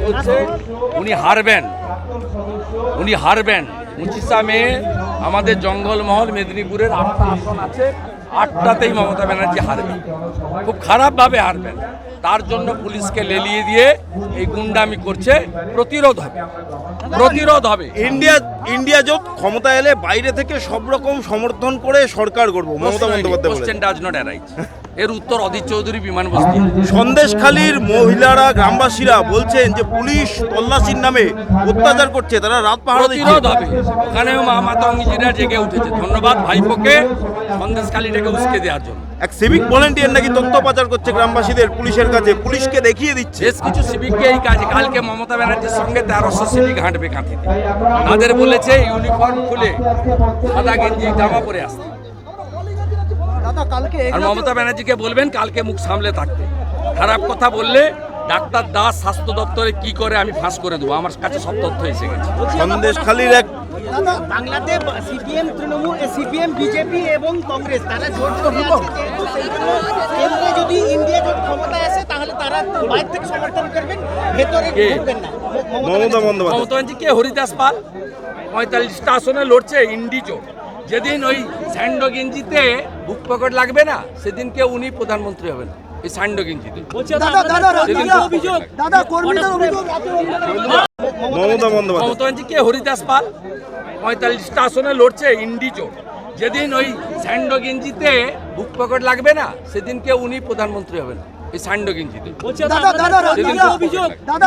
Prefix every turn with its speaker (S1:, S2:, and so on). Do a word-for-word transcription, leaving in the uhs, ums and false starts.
S1: করছে উনি হারবেন, উনি হারবেন। পঁচিশে মে আমাদের জঙ্গলমহল মেদিনীপুরের আটটা আসন আছে, আটটাতেই মমতা ব্যানার্জি হারবেন, খুব খারাপভাবে হারবেন। তার জন্য পুলিশকে লেলিয়ে দিয়ে এই গুন্ডামি করছে, প্রতিরোধ হবে, প্রতিরোধ হবে।
S2: ইন্ডিয়া ইন্ডিয়া জোট ক্ষমতা এলে বাইরে থেকে সব রকম সমর্থন করে সরকার করব মমতা বন্দ্যোপাধ্যায় বলেছেন।
S1: Question does not arise. এর উত্তর অধীর চৌধুরী বিমান বস্তি।
S2: সন্দেশখালীর মহিলারা গ্রামবাসীরা বলছেন যে পুলিশ তল্লাশির নামে অত্যাচার করছে, তারা রাত পাহারা দিচ্ছে।
S1: প্রতিরোধ হবে, ওখানেও মা মাতঙ্গিরা জেগে উঠেছে। ধন্যবাদ ভাইপোকে সন্দেশখালীটাকে উস্কে দেওয়ার জন্য।
S2: এক সিভিক ভলেন্টিয়ার নাকি তথ্য পাচার করছে গ্রামবাসীদের পুলিশের কাছে, পুলিশকে দেখিয়ে দিচ্ছে।
S1: বেশ কিছু সিভিককে এই কাজে, কালকে মমতা ব্যানার্জির সঙ্গে তেরোশো সিভিক হাঁটবে কাঁথিতে। তাদের বলেছে ইউনিফর্ম খুলে সাদা গেঞ্জি জামা পরে আসতে। আর মমতা ব্যানার্জিকে বলবেন কালকে মুখ সামলে থাকতে। খারাপ কথা বললে ডাক্তার দাস স্বাস্থ্য দপ্তরে কি করে আমি ফাঁস করে দেবো, আমার কাছে সব তথ্য এসে গেছে।
S2: সন্দেশখালীর এক
S3: বাংলাতে সিপিএম, তৃণমূল, সিপিএম, বিজেপি এবং কংগ্রেস তারা জোট করে আছে, যেহেতু সেই জন্য কেন্দ্রে যদি ইন্ডিয়া জোট ক্ষমতায় আসে তাহলে তারা বাইরে থেকে সমর্থন করবেন, ভেতরে ঢুকবেন না।
S2: মমতা বন্দ্যোপাধ্যায়
S1: মমতা ব্যানার্জি কে? হরিদাস পাল পঁয়তাল্লিশটা আসনে লড়ছে ইন্ডি জোট। যেদিন ওই স্যান্ডো গেঞ্জিতে বুক পকেট লাগবে না, সেদিনকে উনি প্রধানমন্ত্রী হবেন এই স্যান্ডো গেঞ্জিতে।
S2: মমতা বন্দ্যোপাধ্যায়
S1: মমতা ব্যানার্জি কে? হরিদাস পাল পঁয়তাল্লিশটা আসনে লড়ছে ইন্ডি জোট। যেদিন ওই স্যান্ডো গেঞ্জিতে বুক পকেট লাগবে না, সেদিনকে উনি প্রধানমন্ত্রী হবেন এই স্যান্ডো গেঞ্জিতে।
S2: মমতা বন্দ্যোপাধ্যায়